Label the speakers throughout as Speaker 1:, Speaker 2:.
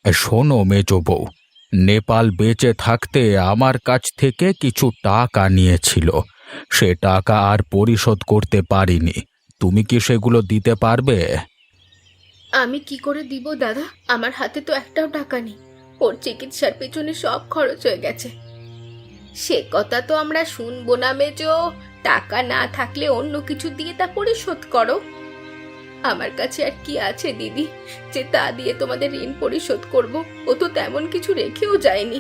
Speaker 1: শোনো মেজো বউ, নেপাল বেঁচে থাকতে আমার কাছ থেকে কিছু টাকা নিয়েছিল। সে টাকা আর পরিশোধ করতে পারিনি। তুমি কি সেগুলো দিতে পারবে?
Speaker 2: আমি কি করে দিব দাদা? আমার হাতে তো একটাও টাকা নেই। ওর চিকিৎসার পেছনে সব খরচ হয়ে গেছে। সে কথা তো আমরা শুনবো না মেজো। টাকা না থাকলে অন্য কিছু দিয়ে তা পরিশোধ করো। আমার কাছে আর কি আছে দিদি, যে তা দিয়ে তোমাদের ঋণ পরিশোধ করব? ও তো তেমন কিছু রেখেও যায়নি।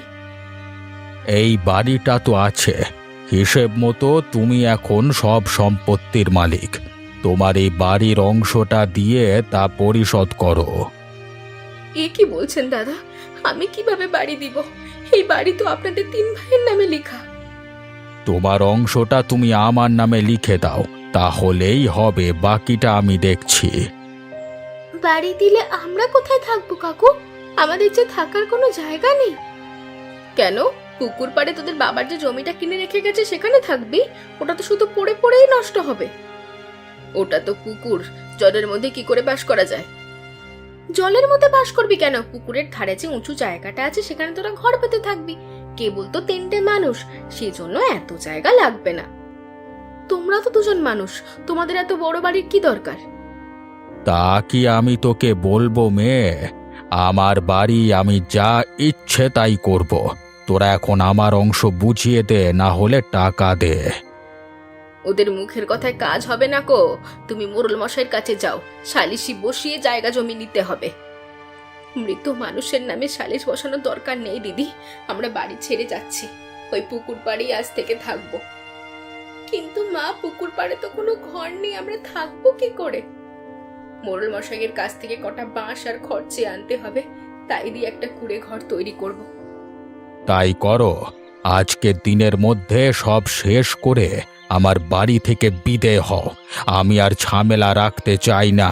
Speaker 1: এই বাড়িটা তো আছে, হিসেব মতো তুমি এখন সব সম্পত্তির মালিক। তোমার এই বাড়ির অংশটা দিয়ে তা পরিশোধ করো।
Speaker 2: এ কি বলছেন দাদা? আমি কিভাবে বাড়ি দিব? এই বাড়ি তো আপনাদের 3 ভাইয়ের নামে লেখা।
Speaker 1: তোমার অংশটা তুমি আমার নামে লিখে দাও, তাহলেই হবে, বাকিটা আমি দেখছি।
Speaker 2: বাড়ি দিলে আমরা কোথায় থাকবো কাকু? আমাদের যে থাকার কোনো জায়গা নেই। কেন? পুকুর পাড়ে তোদের বাবার যে জমিটা কিনে রেখে গেছে সেখানে থাকবি? ওটা তো শুধু পড়ে পড়েই নষ্ট হবে। ওটা তো পুকুর, জলের মধ্যে কি করে বাস করা যায়? জলের মধ্যে বাস করবি কেন? পুকুরের ধারে যে উঁচু জায়গাটা আছে সেখানে তোরা ঘর পেতে থাকবি। কেবল তো 3টে মানুষ, সেজন্য এত জায়গা লাগবে না। তোমরা তো 2জন মানুষ, তোমাদের এত বড় বাড়ির কি দরকার?
Speaker 1: তা কি আমি তোকে বলবো মেয়ে? আমার বাড়ি, আমি যা ইচ্ছে তাই করব। তোরা এখন আমার অংশ বুঝিয়ে দে, না হলে টাকা দে।
Speaker 2: ওদের মুখের কথায় কাজ হবে না কো। তুমি মোড়ল মশাইয়ের কাছে যাও, সালিশি বসিয়ে জায়গা জমি নিতে হবে। মৃত মানুষের নামে সালিশ বসানোর দরকার নেই দিদি। আমরা বাড়ি ছেড়ে যাচ্ছি, ওই পুকুর পাড়েই আজ থেকে থাকবো। কিন্তু মা, পুকুর পাড়ে তো কোনো ঘর নেই, আমরা থাকবো কি করে? মোড়ল মশাইয়ের কাছ থেকে কটা বাঁশ আর খড় চেয়ে আনতে হবে, তাই দিয়ে একটা কুঁড়ে ঘর তৈরি করব।
Speaker 1: তাই করো। আজকের দিনের মধ্যে সব শেষ করে আমার বাড়ি থেকে বিদেয় হও। আমি আর ঝামেলা রাখতে চাই না।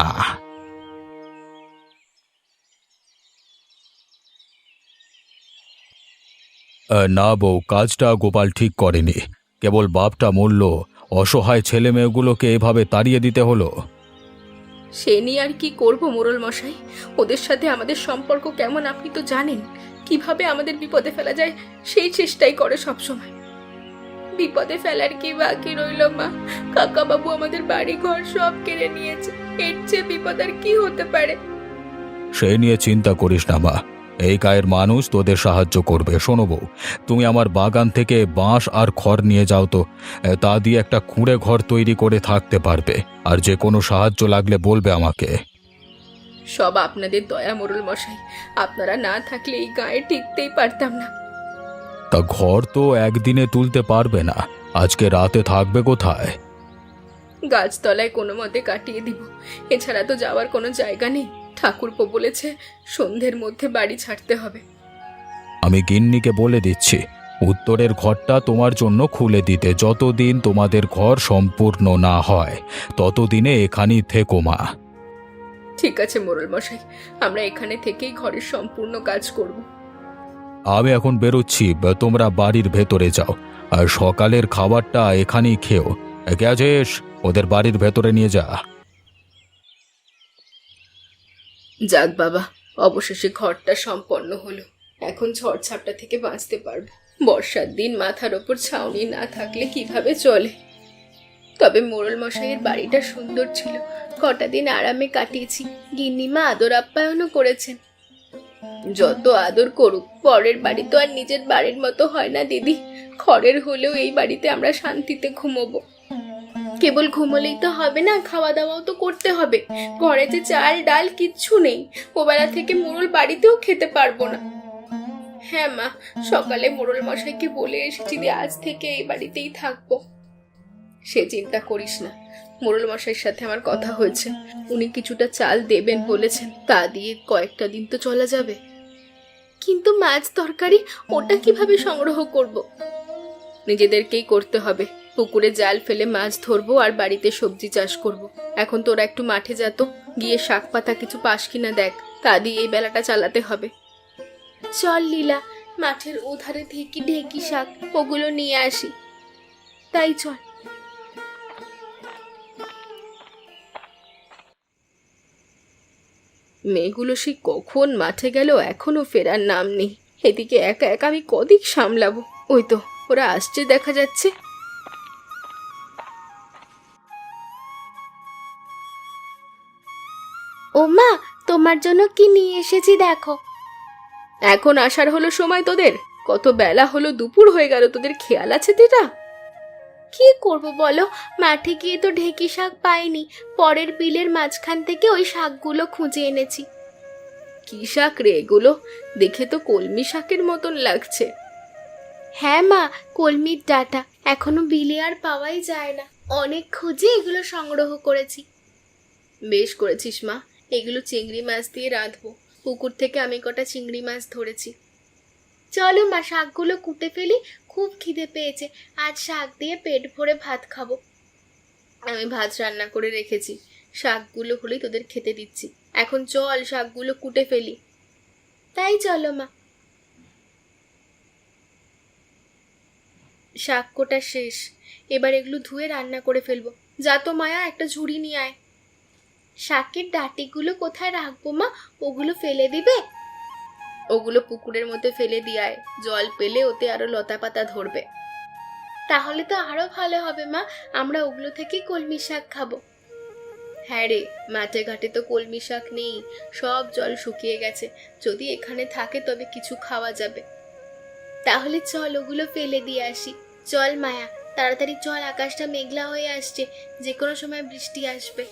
Speaker 1: না বউ, কাজটা গোপাল ঠিক করেনি। কেবল বাপটা মরল, অসহায় ছেলে মেয়েগুলোকে এভাবে তাড়িয়ে দিতে হলো।
Speaker 2: সে নিয়ে আর কি করব মোড়ল মশাই? ওদের সাথে আমাদের সম্পর্ক কেমন আপনি তো জানেন। কিভাবে আমাদের বিপদে ফেলা যায় সেই চেষ্টাই করে সবসময়। বিপদে ফেলার কি বাকি রইল মা? কাকা বাবু আমাদের বাড়ি ঘর সব কেড়ে নিয়েছে। এর চেয়ে বিপদ আর কি হতে পারে?
Speaker 1: সে নিয়ে চিন্তা করিস না মা, এই গায়ের মানুষ তোদের সাহায্য করবে। শোনো বউ, তুমি আমার বাগান থেকে বাঁশ আর খড় নিয়ে যাও তো। তা দিয়ে একটা কুঁড়ে ঘর তৈরি করে থাকতে পারবে। আর যে কোনো সাহায্য লাগলে বলবে আমাকে।
Speaker 2: সব আপনাদের দয়া মোড়ল মশাই। আপনারা না থাকলে এই গায়ে টিকতেই পারতাম না।
Speaker 1: তা ঘর তো একদিনে তুলতে পারবে না, আজকে রাতে থাকবে কোথায়?
Speaker 2: গাছতলায় কোনো মতে কাটিয়ে দিব। এছাড়া তো যাওয়ার কোনো জায়গা নেই। ঠাকুরপো বলেছে সন্ধ্যের মধ্যে বাড়ি ছাড়তে হবে।
Speaker 1: আমি গিন্নিকে বলে দিচ্ছি উত্তরের ঘরটা তোমার জন্য খুলে দিতে। যতদিন তোমাদের ঘর সম্পূর্ণ না হয় ততদিনে এখানেই থেকো মা।
Speaker 2: ঠিক আছে মোড়ল মশাই, আমরা এখানে থেকেই ঘরের সম্পূর্ণ কাজ করব।
Speaker 1: আমি এখন বেরোচ্ছি, তোমরা বাড়ির ভেতরে যাও। আর সকালের খাবারটা এখানেই খেও। কে আছিস? ওদের বাড়ির ভেতরে নিয়ে যা।
Speaker 2: যাক বাবা, অবশেষে ঘরটা সম্পন্ন হলো। এখন ঝড়-ঝাপটা থেকে বাঁচতে পারবো। বর্ষার দিন মাথার ওপর ছাউনি না থাকলে কিভাবে চলে? তবে মোড়ল মশাইয়ের বাড়িটা সুন্দর ছিল। কটা দিন আরামে কাটিয়েছি। গিন্নিমা আদর আপ্যায়নও করেছেন। যত আদর করুক, পরের বাড়ি তো আর নিজের বাড়ির মতো হয় না দিদি। খড়ের হলেও এই বাড়িতে আমরা শান্তিতে ঘুমোবো। কেবল ঘুমোলেই তো হবে না, খাওয়া দাওয়াও তো করতে হবে। ঘরে যে চাল ডাল কিচ্ছু নেই। ওবেলা থেকে মোড়ল বাড়িতেও খেতে পারবো না। হ্যাঁ মা, সকালে মোড়ল মশাইকে বলে এসেছি যে আজ থেকে এই বাড়িতেই থাকবো। সে চিন্তা করিস না, মোড়ল মশাইয়ের সাথে আমার কথা হয়েছে। উনি কিছুটা চাল দেবেন বলেছেন, তা দিয়ে কয়েকটা দিন তো চলা যাবে। কিন্তু মাছ তরকারি ওটা কিভাবে সংগ্রহ করব? নিজেদেরকেই করতে হবে। পুকুরে জাল ফেলে মাছ ধরবো আর বাড়িতে সবজি চাষ করব। এখন তোরা একটু মাঠে যা তো, গিয়ে শাক পাতা কিছু পাস কিনা দেখ, তা দিয়ে এই বেলাটা চালাতে হবে। চল লীলা, মাঠের ওধারে থেকে ঢেকি শাক ওগুলো নিয়ে আসি। তাই চল। মেয়েগুলো সে কখন মাঠে গেল, এখনো ফেরার নাম নেই। এদিকে একা একা আমি কদিক সামলাবো। ওই তো ওরা আসছে দেখা যাচ্ছে।
Speaker 3: ও মা, তোমার জন্য কি নিয়ে এসেছি দেখো।
Speaker 2: এখন আসার হলো সময় তোদের? কত বেলা হলো, দুপুর হয়ে গেল, তোদের খেয়াল আছে তেটা?
Speaker 3: কি করব বলো, মাঠে গিয়ে তো ঢেঁকি শাক পাইনি। পরের বিলের মাঝখান থেকে ওই শাকগুলো খুঁজে এনেছি।
Speaker 2: কি শাক রে এগুলো? দেখে তো কলমি শাকের মতন লাগছে।
Speaker 3: হ্যাঁ মা, কলমির ডাঁটা। এখনো বিলে আর পাওয়াই যায় না, অনেক খুঁজে এগুলো সংগ্রহ করেছি।
Speaker 2: বেশ করেছিস মা, এগুলো চিংড়ি মাছ দিয়ে রাঁধবো। পুকুর থেকে আমি কটা চিংড়ি মাছ ধরেছি।
Speaker 3: চলো মা, শাকগুলো কুটে ফেলি, খুব খিদে পেয়েছে। আজ শাক দিয়ে পেট ভরে ভাত খাবো।
Speaker 2: আমি ভাত রান্না করে রেখেছি, শাকগুলো হলেই তোদের খেতে দিচ্ছি। এখন চল শাকগুলো কুটে ফেলি।
Speaker 3: তাই চলো মা।
Speaker 2: শাক কোটা শেষ, এবার এগুলো ধুয়ে রান্না করে ফেলবো। যা তো মায়া, একটা ঝুড়ি নিয়ে আয়।
Speaker 3: শাকের ডাঁটিগুলো কোথায় রাখবো মা? ওগুলো ফেলে দিবে?
Speaker 2: ওগুলো পুকুরের মধ্যে ফেলে দিয়ায়, জল পেলে ওতে আরো লতা পাতা ধরবে।
Speaker 3: তাহলে তো আরো ভালো হবে মা, আমরা ওগুলো থেকে কলমি শাক খাবো।
Speaker 2: হ্যাঁ রে, মাঠে ঘাটে তো কলমি শাক নেই, সব জল শুকিয়ে গেছে। যদি এখানে থাকে তবে কিছু খাওয়া যাবে।
Speaker 3: তাহলে চল ওগুলো ফেলে দিয়ে আসি। চল মায়া, তাড়াতাড়ি চল, আকাশটা মেঘলা হয়ে আসছে, যে কোনো সময় বৃষ্টি আসবে।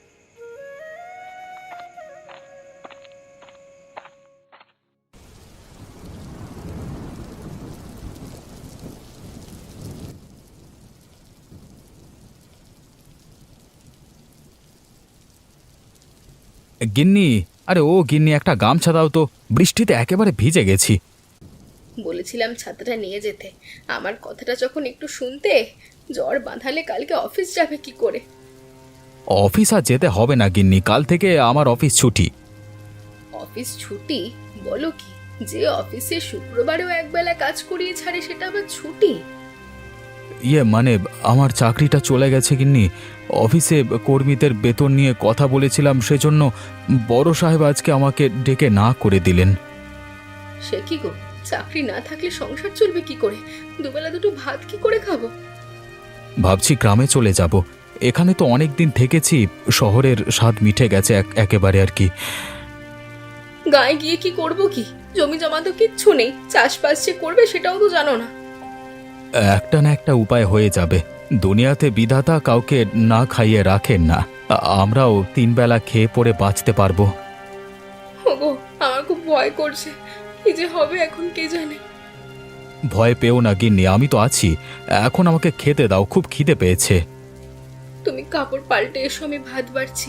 Speaker 1: গিন্নি, আরে ও গিন্নি, একটা গামছা দাও তো, বৃষ্টিতে একেবারে ভিজে গেছি।
Speaker 2: বলেছিলাম ছাতাটা নিয়ে যেতে, আমার কথাটা যখন একটু শুনতে। জ্বর বাঁধালে কালকে অফিস যাবে কি করে?
Speaker 1: অফিস আর যেতে হবে না গিন্নি, কাল থেকে আমার অফিস ছুটি।
Speaker 2: অফিস ছুটি? বলো কি, যে অফিসে শুক্রবারেও একবেলা কাজ করিয়ে ছাড়ে সেটা আবার ছুটি?
Speaker 1: মানে আমার চাকরিটা চলে গেছে গিন্নি। অফিসে কর্মীদের বেতন নিয়ে কথা বলেছিলাম, সেজন্য বড় সাহেব আজকে আমাকে ডেকে না করে দিলেন।
Speaker 2: সে কি গো, চাকরি না থাকলে সংসার চলবে কি করে? দুবেলা দুটো ভাত কি করে খাবো?
Speaker 1: ভাবছি গ্রামে চলে যাব। এখানে তো অনেক দিন থেকেছি, শহরের স্বাদ মিটে গেছে একেবারে আর কি।
Speaker 2: গায়ে গিয়ে কি করব কি? জমি জমা তো কিচ্ছু নেই, চাষবাস যে করবে সেটাও তো জানো না।
Speaker 1: একটা না একটা উপায় হয়ে যাবে। দুনিয়াতে বিধাতা কাউকে না খাইয়ে রাখেন না। আমরাও তিন বেলা খেয়ে পড়ে বাঁচতে পারবো।
Speaker 2: ওগো, আমার খুব ভয় করছে, কি যে হবে এখন কে জানে।
Speaker 1: ভয় পেও না গিন্নি, আমি তো আছি। এখন আমাকে খেতে দাও, খুব খিদে পেয়েছে।
Speaker 2: তুমি কাপড় পাল্টে এসো, আমি ভাত বাড়ছি।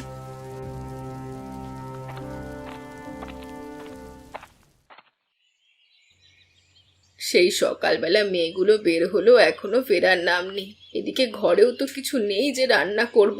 Speaker 2: সেই সকালবেলা মেয়েগুলো বের হলো, এখনো ফেরার নাম নেই। এদিকে ঘরেও তো কিছু নেই যে রান্না করব।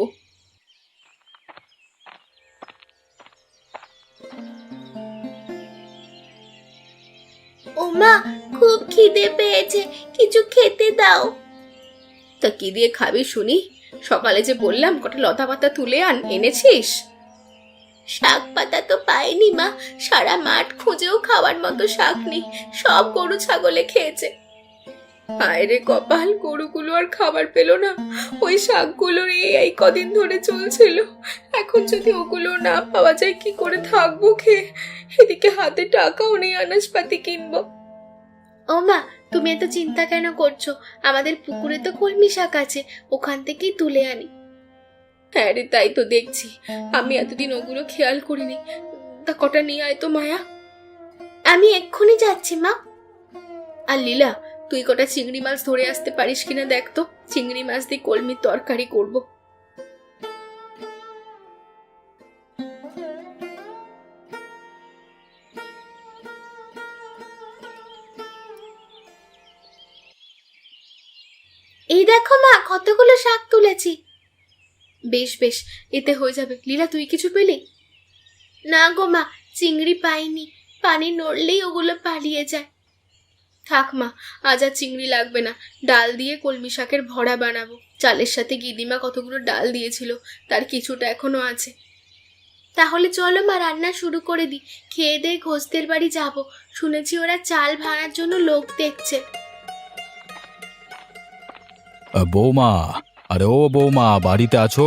Speaker 3: ও মা, খুব খিদে পেয়েছে, কিছু খেতে দাও।
Speaker 2: তা কি দিয়ে খাবি শুনি? সকালে যে বললাম কটা লতা পাতা তুলে এনেছিস?
Speaker 3: শাক পাতা তো পাইনি মা, সারা মাঠ খুঁজেও খাওয়ার মতো শাক নেই, সব গরু ছাগলে খেয়েছে।
Speaker 2: হায় রে কপাল, গরুগুলো আর খাবার পেলো না। ওই শাকগুলোর এই কদিন ধরে চলছিল, এখন যদি ওগুলো না পাওয়া যায় কি করে থাকবো খেয়ে? এদিকে হাতে টাকাও নেই আনাজপাতি কিনবো।
Speaker 3: ও মা, তুমি এত চিন্তা কেন করছো? আমাদের পুকুরে তো কলমি শাক আছে, ওখান থেকেই তুলে আনি।
Speaker 2: হ্যাঁ রে, তাই তো দেখছি, আমি এতদিন ওগুলো খেয়াল করিনি। তা কটা নিয়ে আয় তো মায়া।
Speaker 3: আমি এক্ষুনি যাচ্ছি মা।
Speaker 2: আর লীলা, তুই কটা চিংড়ি মাছ ধরে আসতে পারিস কিনা দেখ তো, চিংড়ি মাছ দিয়ে কলমির তরকারি করব।
Speaker 3: এই দেখো মা, কতগুলো শাক তুলেছি।
Speaker 2: বেশ বেশ, এতে হয়ে যাবে। লীলা, তুই কিছু পেলি?
Speaker 3: না গো মা, চিংড়ি পাইনি, পানি নড়লেই ওগুলো পালিয়ে যায়।
Speaker 2: থাক মা, আজ আর চিংড়ি লাগবে না। ডাল দিয়ে কলমি শাকের ভরা বানাবো। চালের সাথে গিদিমা কতগুলো ডাল দিয়েছিল, তার কিছুটা এখনো আছে।
Speaker 3: তাহলে চলো মা, রান্না শুরু করে দিই। খেয়ে দিয়ে ঘোষদের বাড়ি যাব, শুনেছি ওরা চাল ভাড়ার জন্য লোক দেখছে।
Speaker 1: বৌমা, আরে ও বৌমা, বাড়িতে আছো?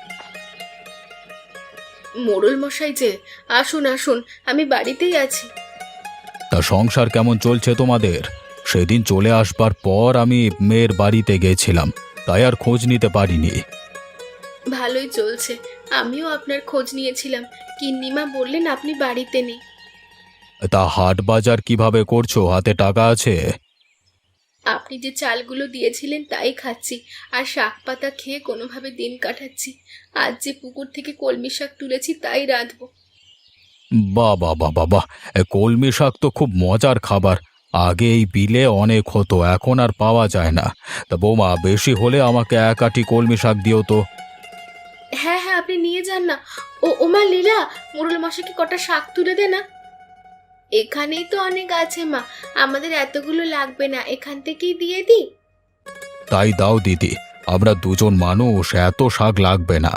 Speaker 2: মোড়ল মশাই যে, আসুন আসুন, আমি বাড়িতেই আছি।
Speaker 1: তা সংসার কেমন চলছে তোমাদের? সেদিন চলে আসবার পর আমি মেয়ের বাড়িতে গেছিলাম, তাই আর খোঁজ নিতে পারিনি।
Speaker 2: ভালোই চলছে। আমিও আপনার খোঁজ নিয়েছিলাম, গিন্নিমা বললেন আপনি বাড়িতে নেই।
Speaker 1: তা হাট বাজার কিভাবে করছো? হাতে টাকা আছে?
Speaker 2: আপনি যে চালগুলো দিয়েছিলেন তাই খাচ্ছি, আর শাক পাতা খেয়ে কোনোভাবে দিন কাটাচ্ছি। আজ যে পুকুর থেকে কলমি শাক তুলেছি তাই রাঁধবো।
Speaker 1: বাহ বাহ বাহ বাহ বাহ! কলমি শাক তো খুব মজার খাবার। আগে এই বিলে অনেক হতো, এখন আর পাওয়া যায় না। তা বৌমা, বেশি হলে আমাকে এক আঁটি কলমি শাক দিও তো।
Speaker 2: হ্যাঁ হ্যাঁ, আপনি নিয়ে যান না। ওমা লীলা, মোড়ল মশাইকে কটা শাক তুলে দে না। এখানেই তো অনেক আছে মা, আমাদের এতগুলো লাগবে না, এখান থেকেই দিয়ে দিই।
Speaker 1: তাই দাও দিদি, আমরা দুজন মানুষ, এত শাক লাগবে না।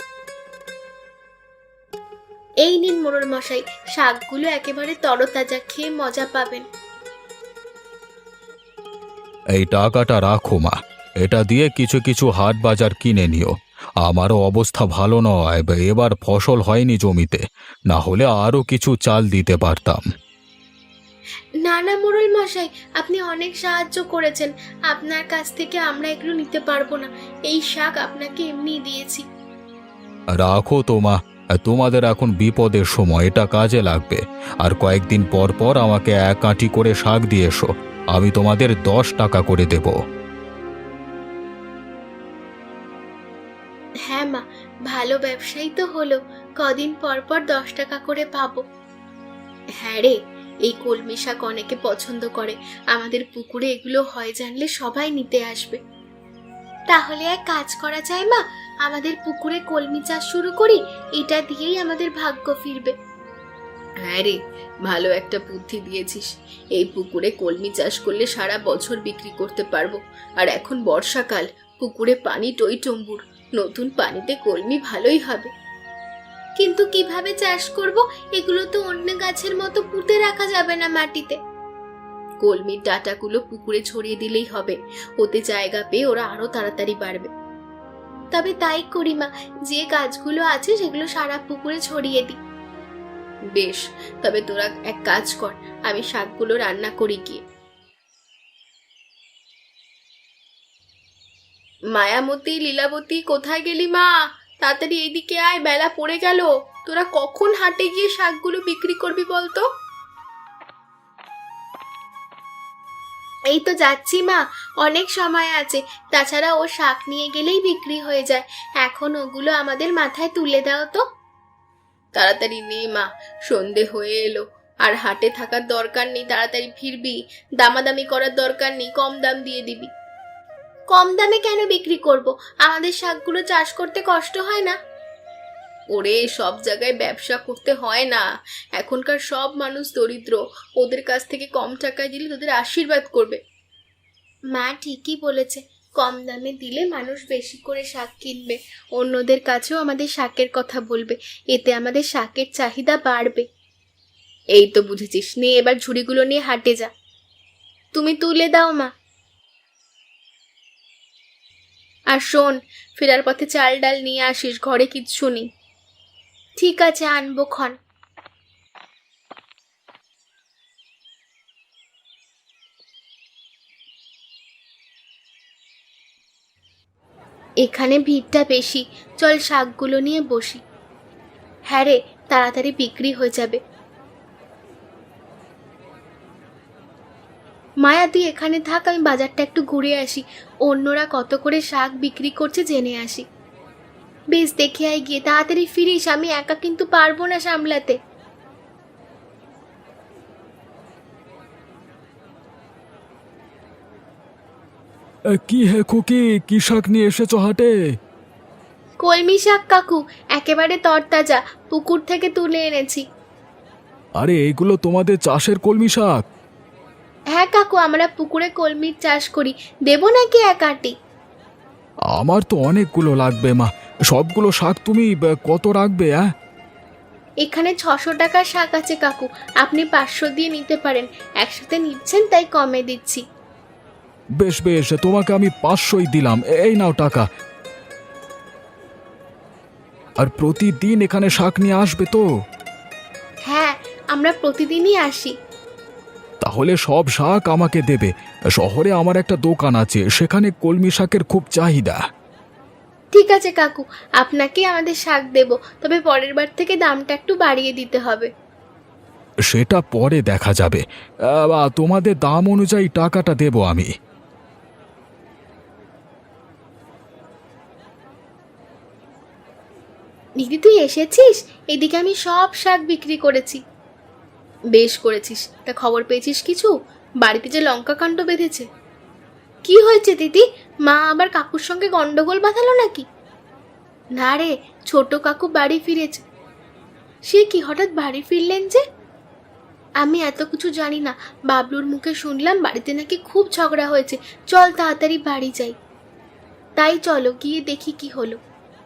Speaker 3: এই নিন মোড়ল মশাই, শাকগুলো একেবারে তরতাজা, খেয়ে মজা পাবেন।
Speaker 1: এই টাকাটা রাখো মা, এটা দিয়ে কিছু কিছু হাট বাজার কিনে নিও। আমারও অবস্থা ভালো নয়, এবার ফসল হয়নি জমিতে, না হলে আরও কিছু চাল দিতে পারতাম।
Speaker 3: না না মোড়ল মশাই, আপনি অনেক সাহায্য করেছেন, আপনার কাছ থেকে আমরা এগুলো নিতে পারবো না। এই শাক আপনাকে এমনি দিয়েছি।
Speaker 1: রাখো তো মা, তোমাদের এখন বিপদের সময়, এটা কাজে লাগবে। আর কয়েকদিন পর পর আমাকে এক আঁটি করে শাক দিয়ে এসো, আমি তোমাদের 10 টাকা করে দেব।
Speaker 3: হ্যাঁ মা, ভালো ব্যবসায়ী তো হলো, কদিন পর পর 10 টাকা করে পাবো। হ্যাঁ রে, এই কলমি শাক অনেকে পছন্দ করে, আমাদের পুকুরে এগুলো হয় জানলে সবাই নিতে আসবে। তাহলে এক কাজ করা যায় মা, আমাদের পুকুরে কলমি চাষ শুরু করি, এটা দিয়েই আমাদের ভাগ্য ফিরবে।
Speaker 2: হ্যাঁ রে, ভালো একটা বুদ্ধি দিয়েছিস। এই পুকুরে কলমি চাষ করলে সারা বছর বিক্রি করতে পারবো। আর এখন বর্ষাকাল, পুকুরে পানি টইটম্বুর, নতুন পানিতে কলমি ভালোই হবে।
Speaker 3: কিন্তু কিভাবে চাষ করব? এগুলো তো অন্য গাছের মতো পুঁতে রাখা যাবে না মাটিতে।
Speaker 2: কলমির ডাঁটাগুলো পুকুরে ছড়িয়ে দিলেই হবে, ওতে জায়গা পেয়ে ওরা আরো তাড়াতাড়ি বাড়বে।
Speaker 3: তবে তাই করি মা, যে গাছগুলো আছে সেগুলো সারা পুকুরে ছড়িয়ে দিই।
Speaker 2: বেশ, তবে তোরা এক কাজ কর, আমি শাকগুলো রান্না করি গিয়ে। মায়ামতী, লীলাবতী, কোথায় গেলি মা? তাড়াতাড়ি এইদিকে আয়, বেলা পড়ে গেল। তোরা কখন হাটে গিয়ে শাকগুলো বিক্রি করবি বলতো?
Speaker 3: এই তো যাচ্ছি মা, অনেক সময় আছে, তাছাড়া ও শাক নিয়ে গেলেই বিক্রি হয়ে যায়। এখন ওগুলো আমাদের মাথায় তুলে দাও তো।
Speaker 2: তাড়াতাড়ি নে মা, সন্ধে হয়ে এলো। আর হাটে থাকার দরকার নেই, তাড়াতাড়ি ফিরবি। দামাদামি করার দরকার নেই, কম দাম দিয়ে দিবি।
Speaker 3: কম দামে কেন বিক্রি করব? আমাদের শাকগুলো চাষ করতে কষ্ট হয় না?
Speaker 2: ওরে, সব জায়গায় ব্যবসা করতে হয় না। এখনকার সব মানুষ দরিদ্র, ওদের কাছ থেকে কম টাকায় দিলে তোদের আশীর্বাদ করবে।
Speaker 3: মা ঠিকই বলেছে, কম দামে দিলে মানুষ বেশি করে শাক কিনবে, অন্যদের কাছেও আমাদের শাকের কথা বলবে, এতে আমাদের শাকের চাহিদা বাড়বে।
Speaker 2: এই তো বুঝেছিস, নে এবার ঝুড়িগুলো নিয়ে হাটে যা।
Speaker 3: তুমি তুলে দাও মা।
Speaker 2: আর শোন, ফেরার পথে চাল ডাল নিয়ে আসিস, ঘরে কিচ্ছু নেই।
Speaker 3: ঠিক আছে, আনবো ক্ষণ। এখানে ভিড়টা বেশি, চল শাকগুলো নিয়ে বসি। হ্যাঁ রে, তাড়াতাড়ি বিক্রি হয়ে যাবে। মায়া তুই এখানে থাক, আমি বাজারটা একটু ঘুরে আসি, অন্যরা কত করে শাক বিক্রি করছে জেনে আসি। বেশ, দেখে আয় গিয়ে, তাড়াতাড়ি ফিরিস, আমি একা কিন্তু পারবো না সামলাতে।
Speaker 1: কি হে খুকি, কি শাক নিয়ে এসেছো হাটে?
Speaker 3: কলমি শাক কাকু, একেবারে তরতাজা, পুকুর থেকে তুলে এনেছি।
Speaker 1: আরে এইগুলো তোমাদের চাষের কলমি শাক?
Speaker 3: হ্যাঁ কাকু, আমরা পুকুরে কলমির চাষ করি, দেবো নাকি এক আঁটি?
Speaker 1: আমার তো অনেকগুলো লাগবে মা, সবগুলো শাক তুমি কত রাখবে?
Speaker 3: এখানে 600 টাকার শাক আছে কাকু, আপনি 500 দিয়ে নিতে পারেন। একসাথে নিচ্ছেন তাই কমে দিচ্ছি।
Speaker 1: বেশ বেশ, তোমাকে আমি 500ই দিলাম, এই নাও টাকা। আর প্রতিদিন এখানে শাক নিয়ে আসবে তো?
Speaker 3: হ্যাঁ, আমরা প্রতিদিনই আসি।
Speaker 1: তাহলে সব শাক আমাকে দেবে। শহরে আমার একটা দোকান আছে, সেখানে কলমি শাকের খুব চাহিদা।
Speaker 3: ঠিক আছে কাকু, আপনাকে আমাদের শাক দেব, তবে পরের বার থেকে দামটা একটু বাড়িয়ে দিতে হবে।
Speaker 1: সেটা পরে দেখা যাবে। তোমাদের দাম অনুযায়ী টাকাটা দেব আমি।
Speaker 3: দিদি তুই এসেছিস? এদিকে আমি সব শাক বিক্রি করেছি। বেশ করেছিস। তা খবর পেয়েছিস কিছু? বাড়িতে যে লঙ্কা কাণ্ড বেঁধেছে। কি হয়েছে দিদি? মা আবার কাকুর সঙ্গে গন্ডগোল বাঁধালো নাকি? না রে, ছোট কাকু বাড়ি ফিরেছে। সে কি হঠাৎ বাড়ি ফিরলেন যে? আমি এত কিছু জানি না, বাবলুর মুখে শুনলাম বাড়িতে নাকি খুব ঝগড়া হয়েছে। চল তাড়াতাড়ি বাড়ি যাই। তাই চলো গিয়ে দেখি কি হলো।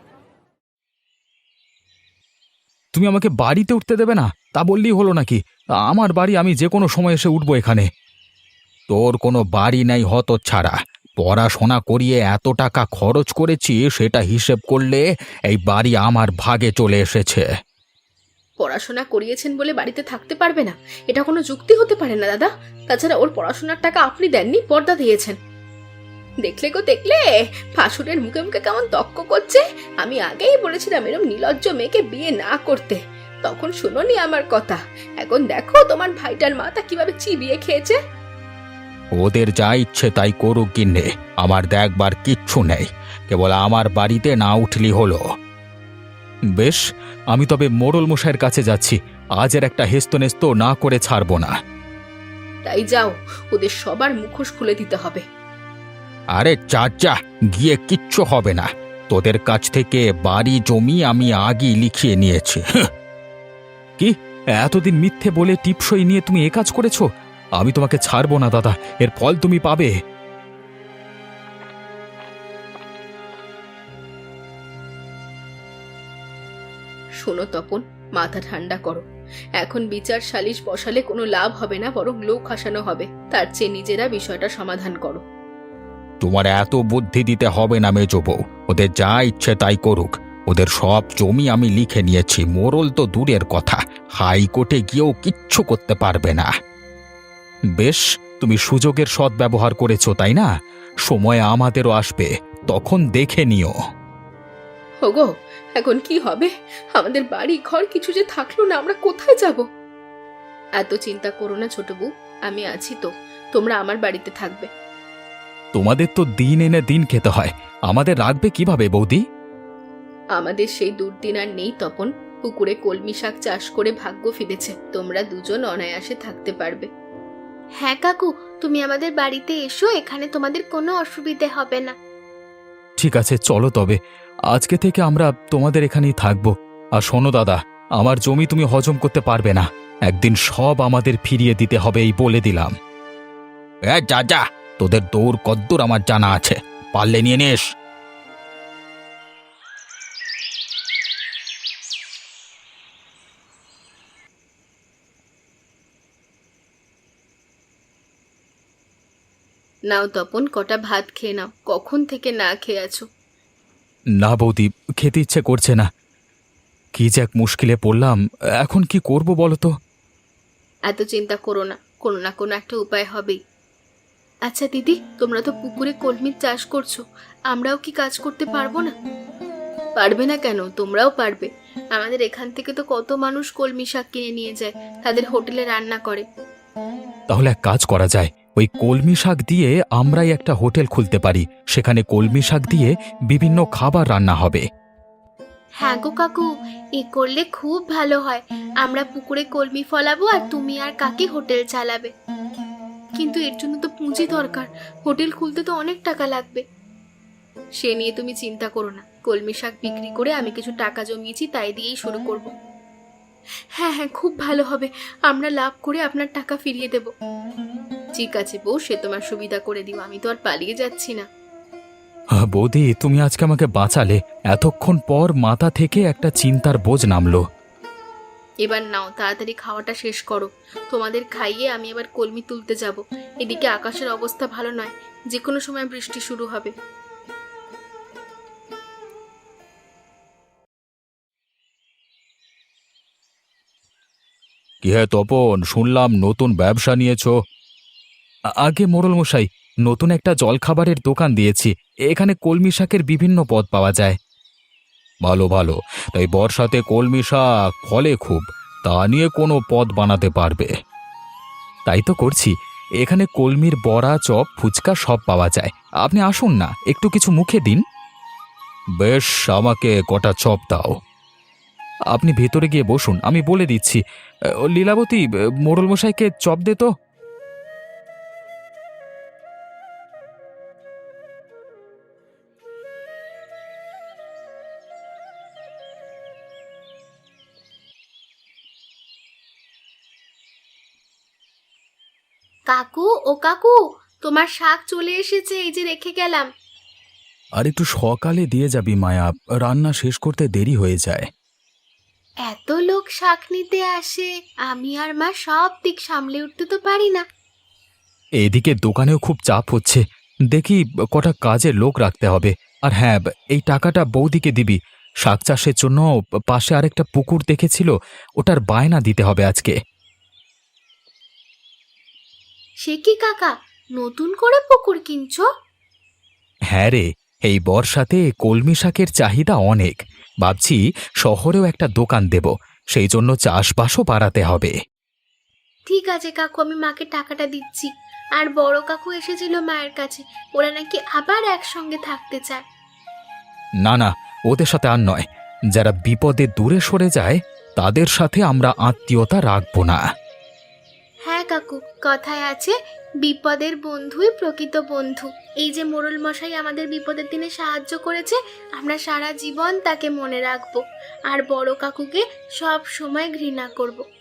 Speaker 1: তুমি আমাকে বাড়িতে উঠতে দেবে না, তা বললেই হলো নাকি? আমার বাড়ি, আমি যে কোনো সময় এসে উঠবো এখানে। তোর কোনো বাড়ি নাই হতচ্ছাড়া। পড়াশোনা করিয়ে এত টাকা খরচ করেছি, সেটা হিসেব করলে এই বাড়ি আমার ভাগে চলে এসেছে।
Speaker 2: পড়াশোনা করিয়েছেন বলে বাড়িতে থাকতে পারবে না, এটা কোনো যুক্তি হতে পারে না দাদা। তাছাড়া ওর পড়াশোনার টাকা আপনি দেননি, পর্দা দিয়েছেন। দেখলে গো দেখলে, ফাসুরের মুখে মুখে কেমন তক্ক করছে। আমি আগেই বলেছিলাম এরম নির্লজ্জ মেয়েকে বিয়ে না করতে, তখন শুনোনি আমার কথা। এখন দেখো তোমার ভাইটার মাথা কিভাবে চিবিয়ে খেয়েছে।
Speaker 1: ওদের যা ইচ্ছে তাই করুক গিন্নে, আমার দেখবার কিচ্ছু নেই। কেবল আমার বাড়িতে না উঠলি হলো। বেশ, আমি তবে মোড়ল মশাইয়ের কাছে যাচ্ছি। আজের একটা হেস্তনেস্ত না করে ছাড়বো না।
Speaker 2: তাই যাও, ওদের সবার মুখোশ খুলে দিতে হবে।
Speaker 1: আরে চাচা, গিয়ে কিচ্ছু হবে না। তোদের কাছ থেকে বাড়ি জমি আমি আগেই লিখিয়ে নিয়েছি। কি এতদিন মিথ্যে বলে টিপসই নিয়ে তুমি এ কাজ করেছো? আমি তোমাকে ছাড়বো না দাদা, এর ফল তুমি পাবে।
Speaker 2: শোনো তপন, মাথা ঠান্ডা করো। এখন বিচার সালিশ বসালে কোনো লাভ হবে না, বরং লোক হাসানো হবে। তার চেয়ে নিজেরা বিষয়টা সমাধান করো।
Speaker 1: তোমার এত বুদ্ধি দিতে হবে না মেজো বউ, ওদের যা ইচ্ছে তাই করুক। ওদের সব জমি আমি লিখে নিয়েছি, মোড়ল তো দূরের কথা, হাইকোর্টে গিয়েও কিচ্ছু করতে পারবে না। বেশ, তুমি সুযোগের সদ্ব্যবহার করেছো তাই না? সময় আমাদেরও আসবে, তখন দেখে নিও।
Speaker 2: ওগো, এখন কি হবে? আমাদের বাড়ি ঘর কিছু যে থাকলো না, আমরা কোথায় যাব? এত চিন্তা করো না ছোট বউ, আমি আছি তো। তোমরা আমার বাড়িতে থাকবে।
Speaker 1: তোমাদের তো দিন এনে দিন খেতে হয়, আমাদের রাখবে কিভাবে বৌদি?
Speaker 2: আমাদের সেই দুর্দিন আর নেই তপন। পুকুরে কলমি শাক চাষ করে ভাগ্য ফিরেছে, তোমরা দুজন অনায়াসে থাকতে পারবে।
Speaker 3: হ্যাঁ কাকু, তুমি আমাদের বাড়িতে এসো, এখানে তোমাদের কোনো অসুবিধে হবে না।
Speaker 1: ঠিক আছে, চলো তবে। আজকে থেকে আমরা তোমাদের এখানেই থাকবো। আর শোনো দাদা, আমার জমি তুমি হজম করতে পারবে না, একদিন সব আমাদের ফিরিয়ে দিতে হবে, এই বলে দিলাম। যা যা, তোদের দৌড় কদ্দূর আমার জানা আছে, পারলে নিয়ে নিস।
Speaker 2: নাও তপন, কটা ভাত খেয়ে নাও, কখন থেকে না খেয়ে আছো।
Speaker 1: না বৌদি, খেতে ইচ্ছে করছে না। কি যে এক মুশকিলে পড়লাম, এখন কি করব বলো তো?
Speaker 2: এত চিন্তা করো না, কোনো না কোনো একটা উপায় হবেই।
Speaker 3: আচ্ছা দিদি, তোমরা তো পুকুরে কলমির চাষ করছো, আমরাও কি কাজ করতে পারবো না?
Speaker 2: পারবে না কেন? তোমরাও পারবে।
Speaker 3: আমাদের এখান থেকে তো কত মানুষ কলমি শাক কিনে নিয়ে যায়, তাদের হোটেলে রান্না করে।
Speaker 1: তাহলে এক কাজ করা যায়, ওই কলমি শাক দিয়ে আমরাই একটা হোটেল খুলতে পারি, সেখানে কলমি শাক দিয়ে বিভিন্ন খাবার রান্না হবে।
Speaker 3: হ্যাঁ গো কাকু, এ করলে খুব ভালো হয়। আমরা পুকুরে কলমি ফলাবো আর তুমি আর কাকি হোটেল চালাবে। কিন্তু এর জন্য তো পুঁজি দরকার, হোটেল খুলতে তো অনেক টাকা লাগবে।
Speaker 2: সে নিয়ে তুমি চিন্তা করো না, কলমি শাক বিক্রি করে আমি কিছু টাকা জমিয়েছি, তাই দিয়েই শুরু করব।
Speaker 3: হ্যাঁ হ্যাঁ, খুব ভালো হবে, আমরা লাভ করে আপনার টাকা ফিরিয়ে দেব।
Speaker 2: ঠিক আছে বউ, সে তোমার সুবিধা করে দিও, আমি তো আর পালিয়ে যাচ্ছি না।
Speaker 1: বৌদি, তুমি আজকে আমাকে বাঁচালে। এতক্ষণ পর মাথা থেকে একটা চিন্তার বোঝ নামলো।
Speaker 3: এবার নাও, তাড়াতাড়ি খাওয়াটা শেষ করো। তোমাদের খাইয়ে আমি এবার কলমি তুলতে যাব। এদিকে আকাশের অবস্থা ভালো নয়, যে কোনো সময় বৃষ্টি শুরু হবে।
Speaker 1: কি হে তপন, শুনলাম নতুন ব্যবসা নিয়েছো? আগে মোড়ল মশাই, নতুন একটা জলখাবারের দোকান দিয়েছি। এখানে কলমি শাকের বিভিন্ন পদ পাওয়া যায়। ভালো ভালো। তাই বর্ষাতে কলমি শাক ফলে খুব, তা নিয়ে কোনো পদ বানাতে পারবে? তাই তো করছি। এখানে কলমির বড়া, চপ, ফুচকা সব পাওয়া যায়। আপনি আসুন না, একটু কিছু মুখে দিন। বেশ, আমাকে কটা চপ দাও। আপনি ভেতরে গিয়ে বসুন, আমি বলে দিচ্ছি। লীলাবতী, মোড়ল মশাইকে চপ দে তো।
Speaker 3: কাকু, ও কাকু, তোমার শাক চলে এসেছে, এই যে রেখে গেলাম।
Speaker 1: আর একটু সকালে দিয়ে যাবি মায়া, রান্না শেষ করতে দেরি হয়ে যায়।
Speaker 3: এত লোক শাক নিতে আসে, আমি আর মা সব দিক সামলে উঠতে তো পারি না।
Speaker 1: এদিকে দোকানেও খুব চাপ হচ্ছে, দেখি কটা কাজের লোক রাখতে হবে। আর হ্যাঁ, এই টাকাটা বৌদিকে দিবি। শাক চাষের জন্য পাশে আরেকটা পুকুর দেখেছিল, ওটার বায়না দিতে হবে আজকে।
Speaker 3: সে কি কাকা, নতুন করে পুকুর কিনছো?
Speaker 1: হ্যাঁ রে, এই বর্ষাতে কলমি শাকের চাহিদা অনেক। ভাবছি শহরেও একটা দোকান দেব, সেই জন্য চাষবাসও বাড়াতে হবে।
Speaker 3: ঠিক আছে কাকু, আমি মাকে টাকাটা দিচ্ছি। আর বড় কাকু এসেছিল মায়ের কাছে, ওরা নাকি আবার একসঙ্গে থাকতে চায়।
Speaker 1: না না, ওদের সাথে আর নয়। যারা বিপদে দূরে সরে যায় তাদের সাথে আমরা আত্মীয়তা রাখবো না।
Speaker 3: হ্যাঁ কাকু, কথায় আছে, বিপদের বন্ধুই প্রকৃত বন্ধু। এই যে মোড়ল মশাই আমাদের বিপদের দিনে সাহায্য করেছে, আমরা সারা জীবন তাকে মনে রাখবো। আর বড় কাকুকে সব সময় ঘৃণা করব।